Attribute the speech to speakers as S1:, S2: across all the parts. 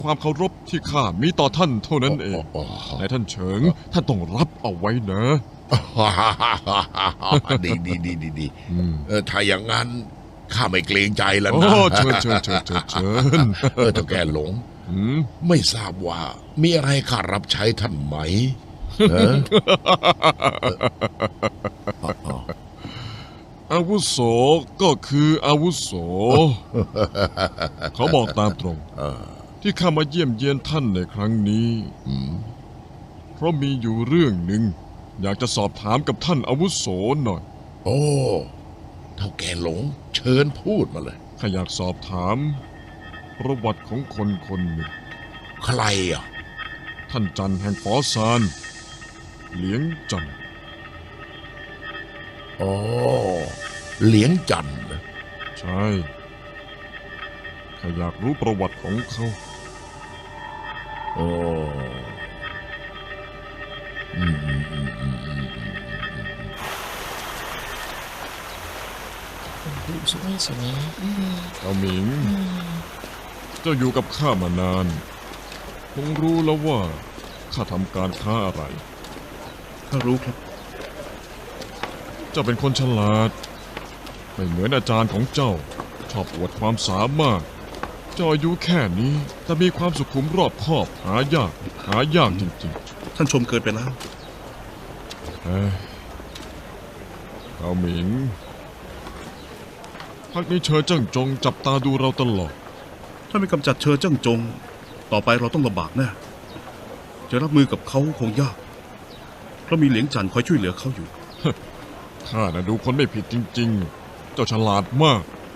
S1: ความเคารพที่ข้ามีต่อท่านเท่านั้นเองนายท่านเฉิงท่านต้องรับเอาไว้นะ
S2: ดีถ้าอย่างนั้นข้าไม่เกรงใจแล้ว
S1: โอ้
S2: นะ
S1: เชิญเ
S2: เจ้าแก่หลงไม่ทราบว่ามีอะไรข้ารับใช้ท่านไหม
S1: อาวุโสก็คืออาวุโส เขาบอกตามตรงที่ข้ามาเยี่ยมเยียนท่านในครั้งนี้เพราะมีอยู่เรื่องหนึ่งอยากจะสอบถามกับท่านอาวุโสหน่อย
S2: โอ้เท่าแก่หลงเชิญพูดมาเลย
S1: ข้าอยากสอบถามประวัติของคนคนหนึ่ง
S2: ใครอ่ะ
S1: ท่านจันแห่งฝอซานเหลียงจัน
S2: อ๋อเหลียงจันทร์นะ
S1: ใช่ข้าอยากรู้ประวัติของเขา
S2: โอ้อืม
S3: ดูสวยสวย
S1: เอาหมิง เจ้าอยู่กับข้ามานาน คงรู้แล้วว่าข้าทำการค้าอะไร
S4: ข้ารู้ครับ
S1: เจ้าเป็นคนฉลาด ไม่เหมือนอาจารย์ของเจ้า ชอบอวดความสามารถ เจ้าอายุแค่นี้แต่มีความสุขุมรอบคอบ หายากจริง
S4: ท่านชมเกินไปแล้ว
S1: ๆเฮ้ยเอาหมิงพักนี้เชอเจิ้งจงจับตาดูเราตลอด
S4: ถ้าไม่กำจัดเชอเจิ้งจง ต่อไปเราต้องลำบากแน่จะรับมือกับเขาคงยาก เพราะมีเหลียงจันทร์คอยช่วยเหลือเขาอยู่
S1: ข้าน่ะดูคนไม่ผิดจริงๆ เจ้าฉลาดมาก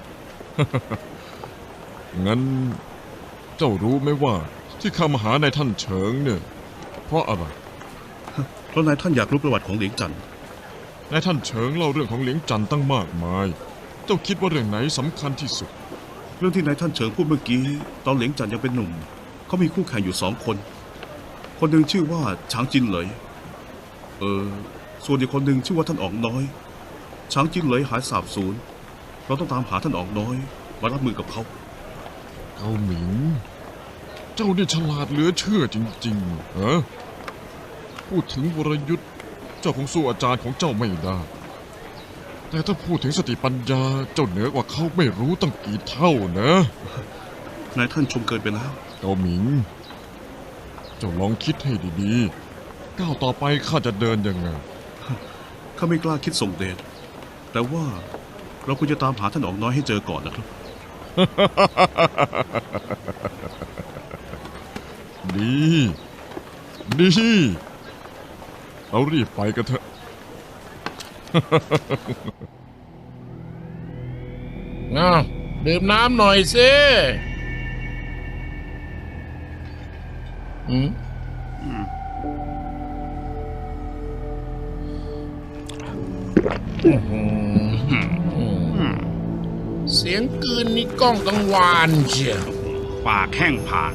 S1: งั้นเจ้ารู้ไหมว่าที่ข้ามาหาในท่านเฉิงเนี่ย เพราะอะไร
S4: เพราะนายท่านอยากรู้ประวัติของเหลียงจันทร์
S1: ในท่านเฉิงเล่าเรื่องของเหลียงจันทร์ตั้งมากมาย เจ้าคิดว่าเรื่องไหนสำคัญที่สุด
S4: เรื่องที่นายท่านเฉิงพูดเมื่อกี้ ตอนเหลียงจันทร์ยังเป็นหนุ่ม เขามีคู่แข่งอยู่2 คน คนหนึ่งชื่อว่าฉางจินเหลย ส่วนอีกคนหนึ่งชื่อว่าท่านอ๋องน้อย ฉางจินเหลยหายสาบสูญ เราต้องตามหาท่านอ๋องน้อยมารับมือกับเขา
S1: เกาหมิง เจ้านี่ฉลาดเหลือเชื่อจริงๆเหรอพูดถึงวรยุทธ์เจ้าคงสู้อาจารย์ของเจ้าไม่ได้ แต่ถ้าพูดถึงสติปัญญาเจ้าเหนือกว่าเขาไม่รู้ตั้งกี่เท่านะ
S4: นายท่านชมเกินไปแล้ว
S1: เกาหมิง เจ้าลองคิดให้ดีๆ ก้าวต่อไปข้าจะเดินยังไง
S4: ข้าไม่กล้าคิดส่งเดช แต่ว่าเราควรจะตามหาท่านอ๋องน้อยให้เจอก่อนนะครับ
S1: ดี ดี เรารีบไปกันเถอะ
S3: ดื่มน้ำหน่อยสิเสียงกลืนนี่ก้องกังวานเชียว
S5: ปากแห้งผาก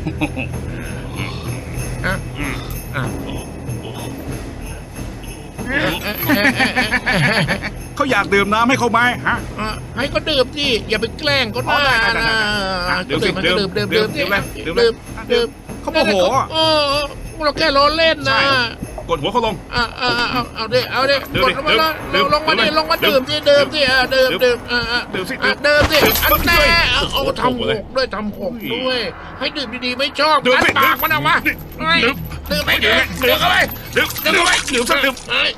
S5: เขาอยากดื่มน้ำให้เขาไหมฮะ
S3: ให้ก็ดื่มสิอย่าไปแกล้งก็ได้นะ
S5: ดื่มสิ
S3: ดื่ม
S5: ดื่ม
S3: ดื่ม
S5: ดื่มเลย
S3: ดื่ม
S5: เขาโมโหอ่ะ
S3: เราแค่ล้อเล่นนะ
S5: กดหัวเขาลง
S3: เอาดิ
S5: ดื่
S3: ก
S5: ม
S3: ด
S5: ดิ
S3: ลงมาแล้ว
S5: ดื่ม
S3: ลงมาดิ
S5: ดื่ม
S3: ลงมา
S5: ดื่
S3: ดื่
S5: ม
S3: มสิดื่มสิดื่ม
S5: ดื่
S3: ดื่ม
S5: ม ดื่มสิ
S3: ดื่มสิ
S5: ดื่ม
S3: อันแน่เอาทำห
S5: เลย
S3: กด้วยทำหกด้วย ให้ดื่มดีๆไม่ชอบ
S5: ดื่ม
S3: อัน
S5: สิ
S3: ปากมันเอามา
S5: ดื่ม
S3: ดื่มไป
S5: ดื่
S3: ดื่
S5: ม
S3: มเข้าไป
S5: ดื่มดื่มดื่มสักดื่ม
S3: เฮ้ย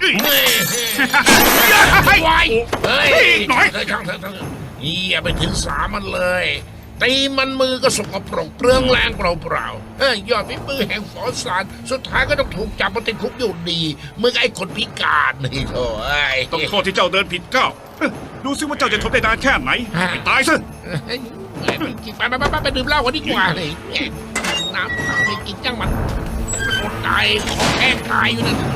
S5: เฮ้ย
S3: ไวเฮ้ย
S5: หน่อย
S3: ช่างอย่าไปถึงสามันเลยตีมันมือก็สกปรกเปลืองแรงเปล่าๆยอดฝีมือแห่งฝอสารสุดท้ายก็ต้องถูกจับมาติดคุกอยู่ดีมึงไอ้คนพิการนี่โถ่เอ้ย
S5: ต้องโทษที่เจ้าเดินผิดก้าวดูซิว่าเจ้าจะทนได้นานแค่ไหนไปตายซะ
S3: มันกินไปดื่มเหล้ากันดีกว่าเลยน้ำข้าวไม่กินจังมันอดตายของแห้งตายอยู่นั่น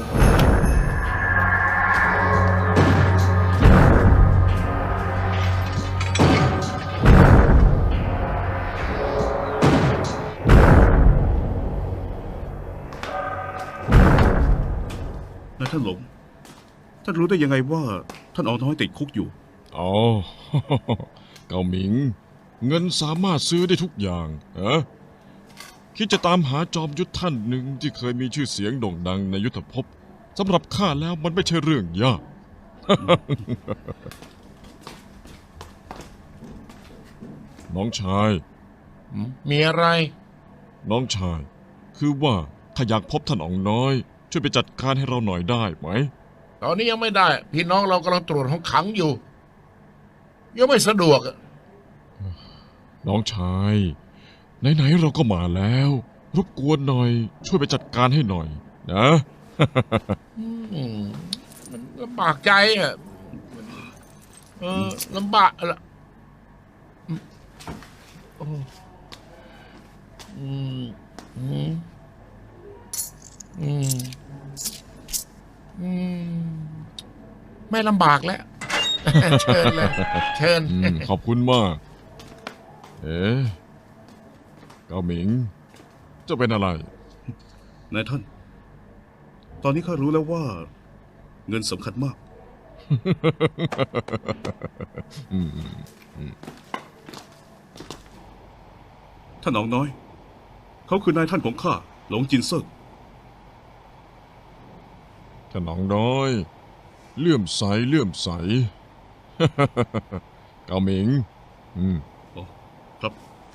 S4: นายท่านหลง ท่านรู้ได้ยังไงว่าท่านอ๋องน้อยติดคุกอยู่
S1: อ๋อ เกาหมิง เงินสามารถซื้อได้ทุกอย่างคิดจะตามหาจอมยุทธท่านหนึ่งที่เคยมีชื่อเสียงโด่งดังในยุทธภพสำหรับข้าแล้วมันไม่ใช่เรื่องยาก น้องชาย
S3: มีอะไร
S1: น้องชาย คือว่าถ้าอยากพบท่านอ๋องน้อย ช่วยไปจัดการให้เราหน่อยได้ไหม
S3: ตอนนี้ยังไม่ได้ พี่น้องเรากำลังตรวจห้องขังอยู่ ยังไม่สะดวกอะ
S1: น้องชาย ไหนๆเราก็มาแล้ว รบกวนหน่อย ช่วยไปจัดการให้หน่อย นะ
S3: มันลำบากใจอ่ะลำบากละโอ้อืมอืมอืมอืมไม่ลำบากแล้ว เชิญเลย เชิญ
S1: ขอบคุณมาก เอ๊ะเกาหมิง จะเป็นอะไร
S4: นายท่าน ตอนนี้ข้ารู้แล้วว่า เงินสำคัญมาก ท่านอ๋องน้อย เขาคือนายท่านของข้า หลงจินเซิก
S1: ท่านอ๋องน้อย เลื่อมใสเลื่อมใส เกาหมิง
S4: อ๋อ ครับ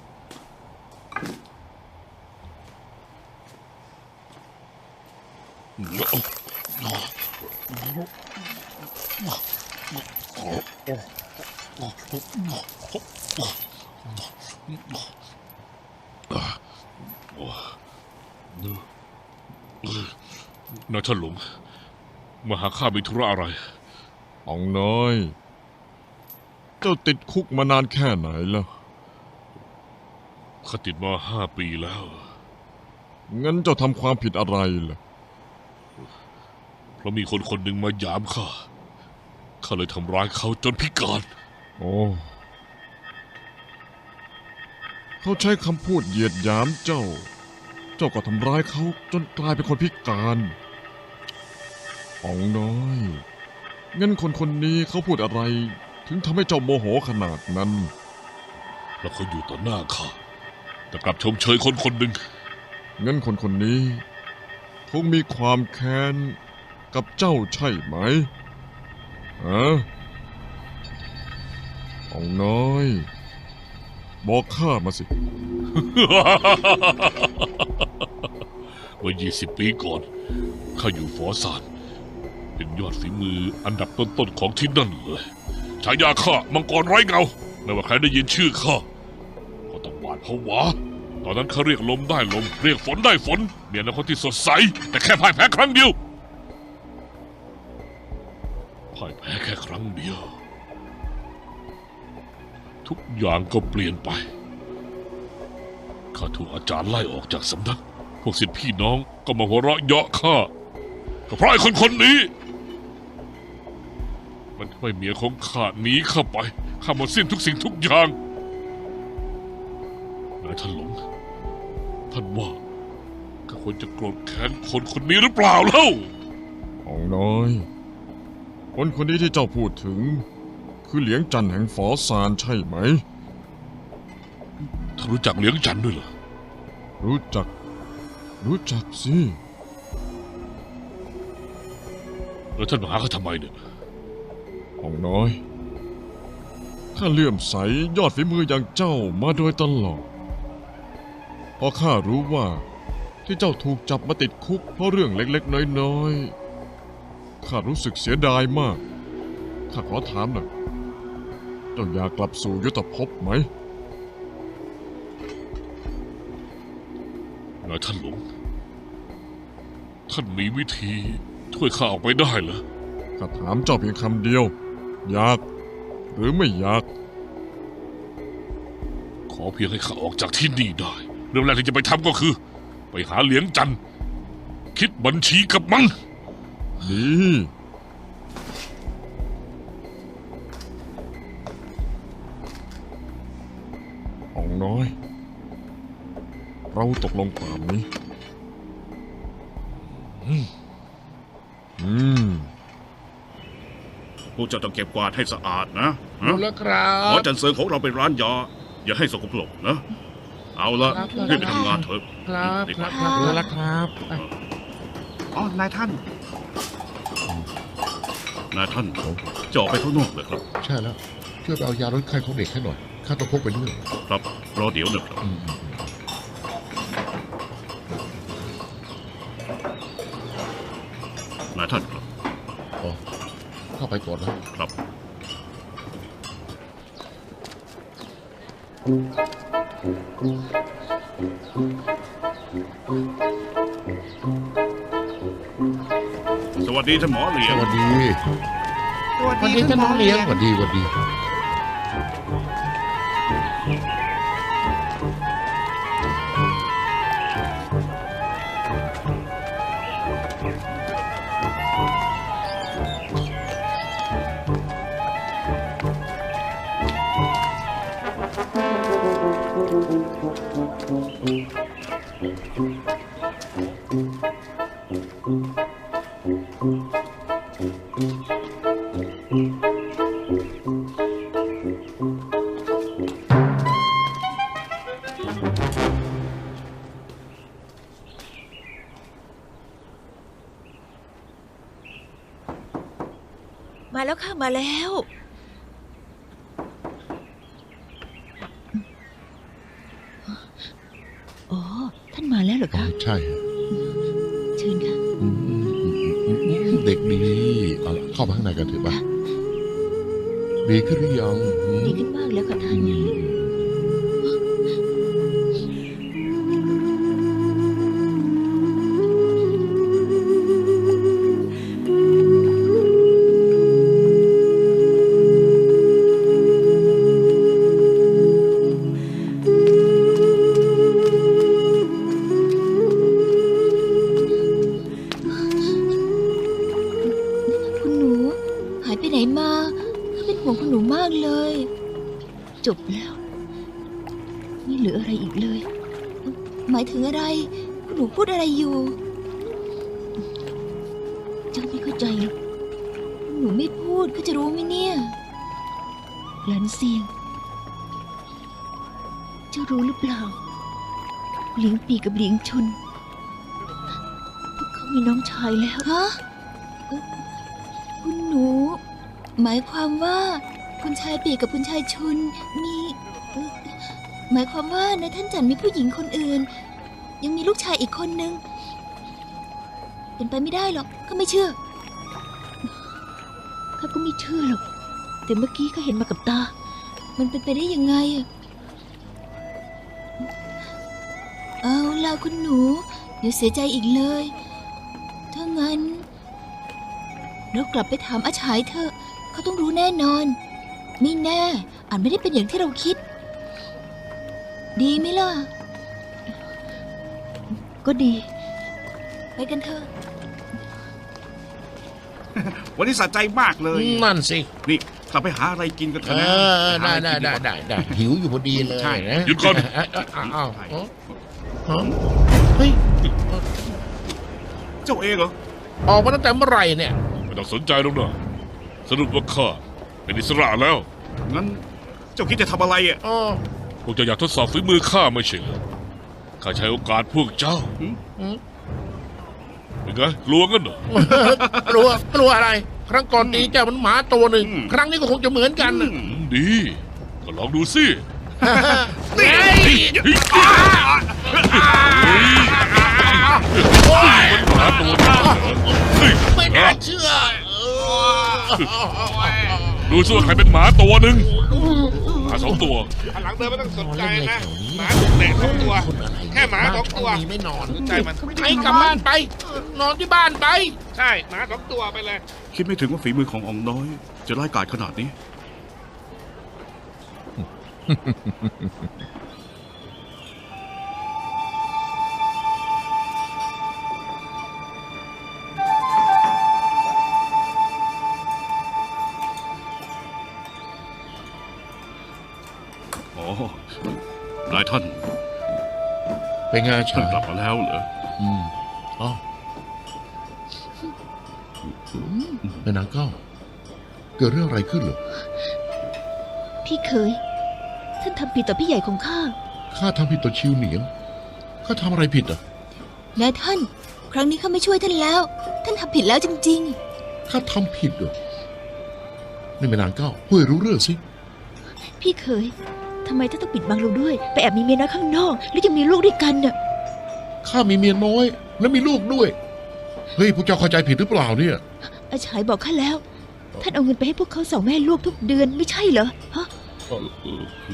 S6: นายท่านหลวงมาหาข้ามีธุระอะไร
S1: อ๋องน้อย เจ้าติดคุกมานานแค่ไหนแล้ว
S6: ข้าติดมา5 ปีแล้ว
S1: งั้นเจ้าทำความผิดอะไรล่ะ
S6: เพราะมีคนคนหนึ่งมาหยามข้า ข้าเลยทำร้ายเขาจนพิการ
S1: โอ้ เขาใช้คำพูดเหยียดหยามเจ้า เจ้าก็ทำร้ายเขาจนกลายเป็นคนพิการอ๋องน้อย งั้นคนคนนี้เขาพูดอะไร ถึงทำให้เจ้าโมโหขนาดนั้น
S6: แล้วเขาอยู่ต่อหน้าข้า แต่กลับชมเชยคนคนหนึ่ง
S1: งั้นคนคนนี้คงมีความแค้นกับเจ้าใช่ไหมฮะอ๋องน้อย บอกข้ามาสิ
S6: เมื่อ20 ปีก่อน ข้าอยู่ฝอซาน เป็นยอดฝีมืออันดับต้นๆของที่นั่นเลย ฉายาข้ามังกรไร้เงา ไม่ว่าใครได้ยินชื่อข้าก็ต้องหวาดผวา ตอนนั้นเขาเรียกลมได้ลม เรียกฝนได้ฝนมีอนาคตที่สดใส แต่แค่พ่ายแพ้ครั้งเดียว พ่ายแพ้แค่ครั้งเดียว ทุกอย่างก็เปลี่ยนไปข้าถูกอาจารย์ไล่ออกจากสำนัก พวกศิษย์พี่น้องก็มาหัวเราะเยาะข้าก็เพราะไอ้คนคนนี้ มันทำให้เมียของข้าหนีเข้าไปข้าหมดสิ้นทุกสิ่งทุกอย่างนายท่านหลงท่านว่าข้าควรจะโกรธแค้นคนคนนี้หรือเปล่าเล่า
S1: อ๋องน้อย คนคนนี้ที่เจ้าพูดถึง คือเหลียงจันแห่งฝอซานใช่ไหม
S6: ท่านรู้จักเหลียงจันทร์ด้วยเหรอ
S1: รู้จัก รู้จักสิ
S6: แล้วท่านมาหาเขาทำไมเนี่ย
S1: อ๋องน้อย ข้าเลื่อมใสยอดฝีมืออย่างเจ้ามาโดยตลอดพอข้ารู้ว่าที่เจ้าถูกจับมาติดคุกเพราะเรื่องเล็กๆน้อยๆ ข้ารู้สึกเสียดายมาก ข้าขอถามหน่อยเจ้าอยากกลับสู่ยุทธภพไหม
S6: นายท่านหลวงท่านมีวิธีช่วยข้าออกไปได้เหรอ
S1: ข้าถามเจ้าเพียงคำเดียว อยาก หรือไม่อยาก
S6: ขอเพียงให้ข้าออกจากที่นี่ได้ เรื่องแรกที่จะไปทำก็คือ ไปหาเหลียงจันทร์คิดบัญชีกับมัน
S1: ดี อ๋องน้อย เราตกลงตามนี้
S4: พวกเจ้าต้องเก็บกวาดให้สะอาดนะ
S3: รู้แล้วครั
S4: หอบ จันเซิงของเราเป็นร้านยา อย่าให้สกปรกนะเอาละรีบไปทำงานเถอะ
S3: ครับ
S4: รีบ
S3: ค
S4: ไป
S3: รับครับรู้แล้วครับ
S5: อ๋อนายท่าน
S4: นายท่านจะออกไปข้างนอกเลยครับ
S2: ใช่แล้วช่วยไปเอายาลดไข้ของเด็กให้หน่อยข้าต้องพกไปด้วย
S4: ครับรอเดี๋ยวนะครับ นายท่านครับ
S2: อ๋อเข้าไปก่อนนะครับ
S4: สวัสดีท่านหมอเหลีย
S2: ส
S4: ง
S2: วัสดี
S3: สวัสดีท่านหมอเลี้ยง
S2: สวัสดีสวัสดี
S7: มาแล้วค่ะมาแล้ว อ๋อ ท่านมาแล้วเหรอ
S2: อ๋อ
S7: คะ
S2: ใช่
S7: เชิญค่ะ
S2: เด็กดีเอาล่ะเข้ามาข้างในกันเถอะป่ะดีขึ้นหรือยัง
S7: ดีขึ้นมากแล้วค่ะท่าน คุณหนู หายไปไหนมาข้าเป็นห่วงคุณหนูมากเลย จบแล้ว ไม่เหลืออะไรอีกเลย หมายถึงอะไร คุณหนูพูดอะไรอยู่ เจ้าไม่เข้าใจหรอกคุณหนูไม่พูดก็จะรู้ไหมเนี่ยหลานเซียง เจ้ารู้หรือเปล่าหลิงปีกับหลิงชุนพวกเขามีน้องชายแล้วฮะคุณหนู หมายความว่าคุณชายปีกับคุณชายชุนมีหมายความว่าในท่านจันมีผู้หญิงคนอื่น ยังมีลูกชายอีกคนนึงเป็นไปไม่ได้หรอกข้าไม่เชื่อข้าก็ไม่เชื่อหรอกแต่เมื่อกี้ข้าเห็นมากับตา มันเป็นไปได้ยังไงอะเอาล่ะคุณหนูเดี๋ยวเสียใจอีกเลยถ้างั้นเรากลับไปถามอาฉายเถอะเขาต้องรู้แน่นอนไม่แน่อาจไม่ได้เป็นอย่างที่เราคิด ดีไหมล่ะ ก็ดี ไปกันเถอะ
S5: วันนี้สะใจมากเลย
S3: นั่นสิ
S5: นี่กลับไปหาอะไรกินกันเถ
S3: เอ
S5: อะนะ
S3: อได้
S2: หิวอยู่พอดีเลย
S5: ใช่
S3: นะ
S6: หยุดก่อน
S3: อ้าวเฮ้ย
S5: เจ้าเองเหรอ
S3: ออกมาตั้งแต่เมื่อไหร่เนี่ย
S6: ไม่ต้องสนใจหรอกนะสรุปว่าข้าเป็นอิสระแล้ว
S5: งั้นเจ้าคิดจะทำอะไรอ่ะ
S3: อ๋อ
S6: พวกเจ้าอยากทดสอบฝีมือข้าไม่ใช่เหรอข้าใช้โอกาสพวกเจ้าเป็นไงกลัวกันเหรอ
S3: กลัวอะไร ครั้งก่อนตีเจ้ามันหมาตัวหนึ่ง ครั้งนี้ก็คงจะเหมือนกันน่ะ
S6: ดี ก็ลองดูสิ
S3: เฮ้ย
S6: มันหมาตัวนี้เฮ้ย
S3: ไม่น่าเชื่อ
S6: ดูสิว่าใครเป็นหมาตัวหนึ่งหมาสองตัว
S8: หลังเดินไม่ต้องสนใจนะ หมาถูกเตะ2 ตัว แค่หมา2 ตัว
S3: ไม่นอน
S8: สนใจมัน
S3: ให้กลับบ้านไป นอนที่บ้านไป
S8: ใช่ หมา2 ตัวไปเลย
S4: คิดไม่ถึงว่าฝีมือของอองน้อย จะร้ายกาจขนาดนี้ อ๋อนายท่าน
S2: เป็นไง
S4: ท่า
S2: ชาน ย
S4: กลับมาแล้วเหรอ
S2: อ๋อเป็นนางเก้า เกิดเรื่องอะไรขึ้นเหรอ
S7: พี่เคย ท่านทำผิดต่อพี่ใหญ่ของข้า
S2: ขข้าทำผิดต่อชิวเหนียงข้าทำอะไรผิดอ่ะ
S7: นายท่าน ครั้งนี้ข้าไม่ช่วยท่านแล้ว ท่านทำผิดแล้วจริง
S2: ข้าทำผิดเหรอนี่แม่นางเก้าพูดให้รู้เรื่องสิ
S9: ๆ พี่เคยทำไมท่านต้องปิดบังเราด้วย ไปแอบมีเมียน้อยข้างนอก แล้วยังมีลูกด้วยกันน่ะ
S2: ข้ามีเมียน้อยและมีลูกด้วยเฮ้ยพวกเจ้าเข้าใจผิดหรือเปล่าเนี่ย
S9: อาฉายบอกข้าแล้ว ท่านเอาเงินไปให้พวกเขา2 แม่ลูกทุกเดือนไม่ใช่เหรอฮะ
S6: คือ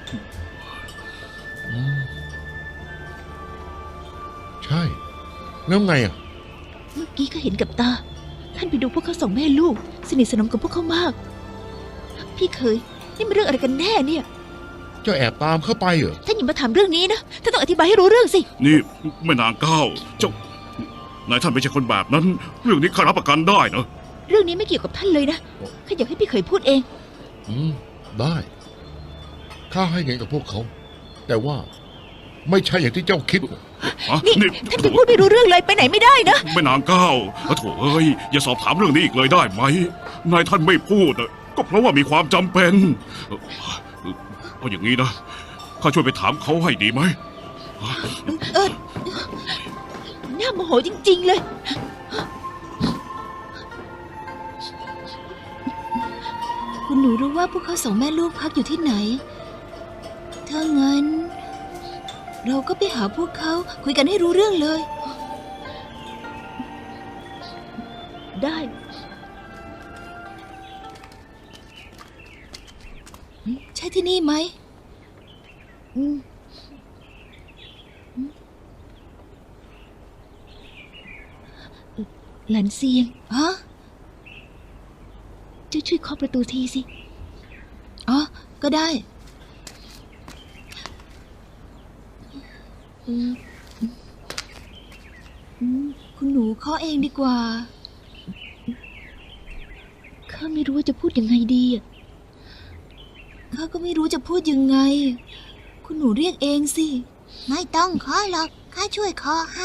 S2: ใช่แล้วไงอ่ะ
S9: เมื่อกี้ก็เห็นกับตา ท่านไปดูพวกเขา2 แม่ลูก สนิทสนมกับพวกเขามาก พี่เคยนี่มันเรื่องอะไรกันแน่เนี่ย
S2: เจ้าแอบตามเข้าไปเหรอ
S9: ท่านอย่ามาถามเรื่องนี้นะท่านต้องอธิบายให้รู้เรื่องสิ
S4: นี่แม่นางเก้าเจ้านายท่านไม่ใช่คนแบบนั้น เรื่องนี้ข้ารับประกันได้นะ
S9: เรื่องนี้ไม่เกี่ยวกับท่านเลยนะข้าอยากให้พี่เคยพูดเอง
S2: ได้ข้าให้เงินกับพวกเขา แต่ว่าไม่ใช่อย่างที่เจ้าคิด
S9: นี่ท่านจะพูดไม่รู้เรื่องเลยไปไหนไม่ได้นะ
S4: แม่นางเก้าโถเอ้ยอย่าสอบถามเรื่องนี้อีกเลยได้ไหมนายท่านไม่พูดอะก็เพราะว่ามีความจำเป็นเอาอย่างนี้นะข้าช่วยไปถามเขาให้ดีไหม
S9: น่าโมโหจริงๆเลย
S7: ๆ คุณหนูรู้ว่าพวกเขา2 แม่ลูกพักอยู่ที่ไหน ถ้างั้น เราก็ไปหาพวกเขาคุยกันให้รู้เรื่องเลย
S9: ได้
S7: ใช่ที่นี่ไหม
S9: หลานเซียง
S7: ฮะ
S9: เจ้าช่วยเคาะประตูทีสิ
S7: อ๋อ ก็ได้ คุณหนูเคาะเองดีกว่า
S9: ข้าไม่รู้ว่าจะพูดยังไงดีอะ
S7: ข้าก็ไม่รู้จะพูดยังไง คุณหนูเรียกเองสิ ไม่ต้องเคาะหรอก ข้าช่วยเคาะให้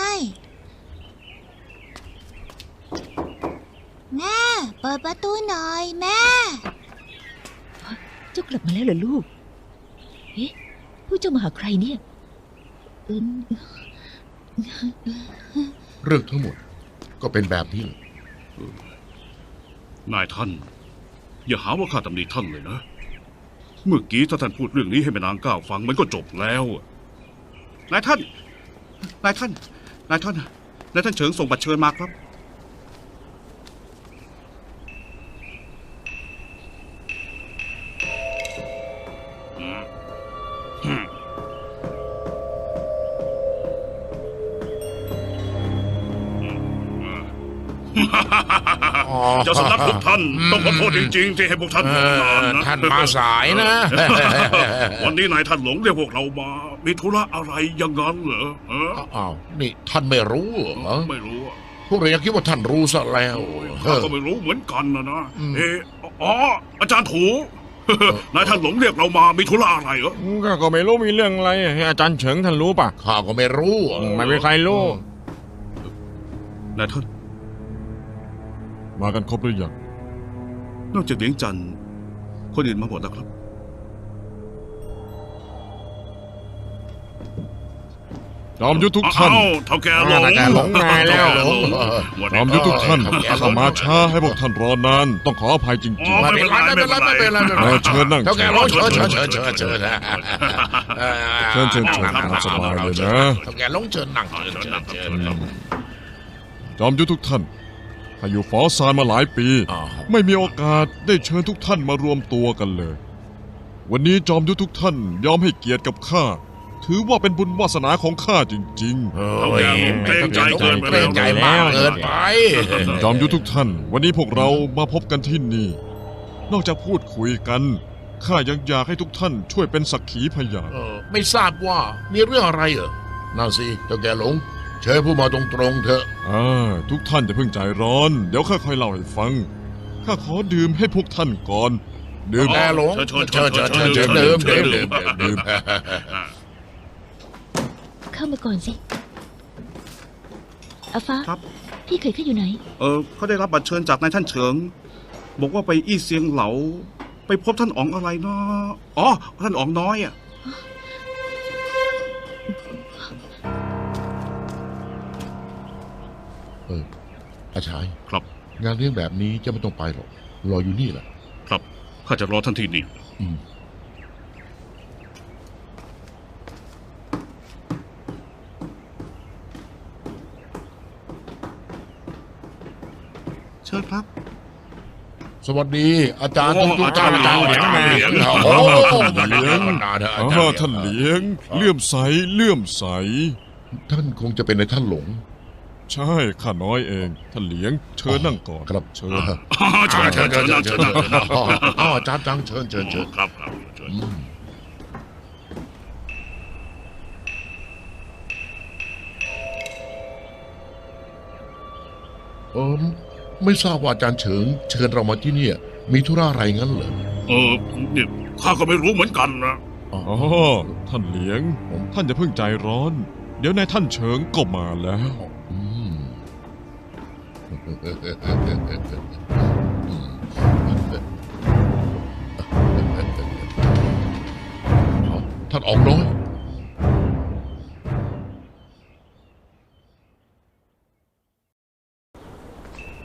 S7: แม่ เปิดประตูหน่อยแม่
S9: เจ้ากลับมาแล้วเหรอลูก เอ๊ะพวกเจ้ามาหาใครเนี่ยเออ
S2: เรื่องทั้งหมดก็เป็นแบบนี้
S4: นายท่าน อย่าหาว่าข้าตำหนิท่านเลยนะ เมื่อกี้ถ้าท่านพูดเรื่องนี้ให้แม่นางก้าวฟังมันก็จบแล้วนายท่านนายท่านนายท่านนายท่านเฉิงส่งบัตรเชิญมาครับ เจ้าสำนักทุกท่านต้องขอโทษจริงๆที่ให้พวกท่านรอนานนะ
S2: ท่านมาสายนะ
S4: วันนี้นายท่านหลงเรียกพวกเรามา มีธุระอะไรอย่างนั้นเหรอฮะ
S2: อ้าวนี่ท่านไม่รู้เหรอ
S4: ไม่รู้อะ
S2: พวกเรายังคิดว่าท่านรู้ซะแล้ว
S4: ข้าก็ไม่รู้เหมือนกันนะเอออ๋ออาจารย์ถูนายท่านหลงเรียกเรามา มีธุระอะไรเหรอ
S1: ข้าก็ไม่รู้มีเรื่องอะไรให้อาจารย์เฉิงท่านรู้ป่ะ
S2: ข้าก็ไม่รู้
S1: ไม่มีใครรู้
S4: นายท่าน
S1: มากันครบหรือยัง
S4: นอกจากเหลียงจันทร์คนอื่นมาหมดแล้วครับ
S1: จอมยุทธทุกท่าน
S4: อ้าวเท่าแกหลง
S1: เท่าแกหลงมาแล้ว จอมยุทธทุกท่าน
S2: เออ
S1: ข้ามาช้าให้พวกท่านรอนาน ต้องขออภัยจริง
S4: อ๋อไม่เป็นไรไม่เป็นไรไม่เป็นไร
S1: เชิญนั่ง
S2: เท่าแก่ร้องเชิญเชิญเชิญเชิญเชิญ
S1: ๆเชิญตามสบายเลยนะ
S2: เท่าแก่ร้องเชิญนั่งเชิญเชิญเชิญ
S1: จอมยุทธทุกท่านข้าอยู่ฝอซานมาหลายปี
S2: อ๋อ
S1: ไม่มีโอกาสได้เชิญทุกท่านมารวมตัวกันเลย วันนี้จอมยุทธทุกท่านยอมให้เกียรติกับข้า ถือว่าเป็นบุญวาสนาของข้าจริง
S2: เฮ้
S4: เท่าแก่หลงเกรงใจเกินไป
S2: เกรงใจมากเกินไป
S1: ๆ จอมยุทธทุกท่าน วันนี้พวกเรามาพบกันที่นี่ นอกจากพูดคุยกัน ข้ายังอยากให้ทุกท่านช่วยเป็นสักขีพยาน
S2: ไม่ทราบว่ามีเรื่องอะไรเหรอนั่นสิเท่าแก่หลงเชิญผู้มาตรงๆเถอะ
S1: ทุกท่านจะเพิ่งใจร้อน เดี๋ยวข้าค่อยเล่าให้ฟัง ข้าขอดื่มให้พวกท่านก่อน ดื่ม
S2: แกหลง
S4: เชิญ
S2: เชิญเชิญเชิญเชิญดื่มดื่มดื่มดื่ม
S9: เข้ามาก่อนสิอาฟ้า
S4: ครับ
S9: พี่เคยเข้าอยู่ไหน
S4: เขาได้รับบัตรเชิญจากนายท่านเฉิง บอกว่าไปอี้เซียงเหลา ไปพบท่านอ๋องอะไรเนาะอ๋อท่านอ๋องน้อยอ่ะ
S2: อาชาย
S4: ครับ
S2: งานเลี้ยงแบบนี้จะไม่ต้องไปหรอกรออยู่นี่แหละ
S4: ครับข้าจะรอท่านที่นี่
S2: อืม
S4: เชิญครับ
S2: สวัสดี อาจารย์
S4: โอ้
S2: ทุกๆ
S4: อาจารย์
S2: ท่น
S4: เหลียง
S2: อาจารย์เหลียง
S4: โอ้
S2: โอ้
S1: ท่านเหลียง
S2: นานๆนะอา
S1: อ๋
S2: จาร
S1: อ
S2: ย์
S1: ท่านเหลียงเลื่อมใสเลื่อมใส
S2: ท่านคงจะเป็นในท่านหลง
S1: ใช่ข้าน้อยเอง ท่านเหลียง เชิญนั่งก่อน
S2: ครับ
S1: เชิญ
S4: เชิญเชิญเชิญเชิญ
S2: อ๋ออาจารย์จังเชิญเชิญเชิญ
S4: ครับครับเชิญ
S2: อืมไม่ทราบว่าอาจารย์เฉิงเชิญเรามาที่เนี่ย มีธุระอะไรงั้นเหรอ
S4: เนี่ยข้าก็ไม่รู้เหมือนกันนะ
S2: อ๋อ
S1: อ๋อ ท่านเหลียง ท่านอย่าเพิ่งใจร้อน เดี๋ยวนายท่านเฉิงก็มาแล้ว
S2: อืมท่านออกน้อย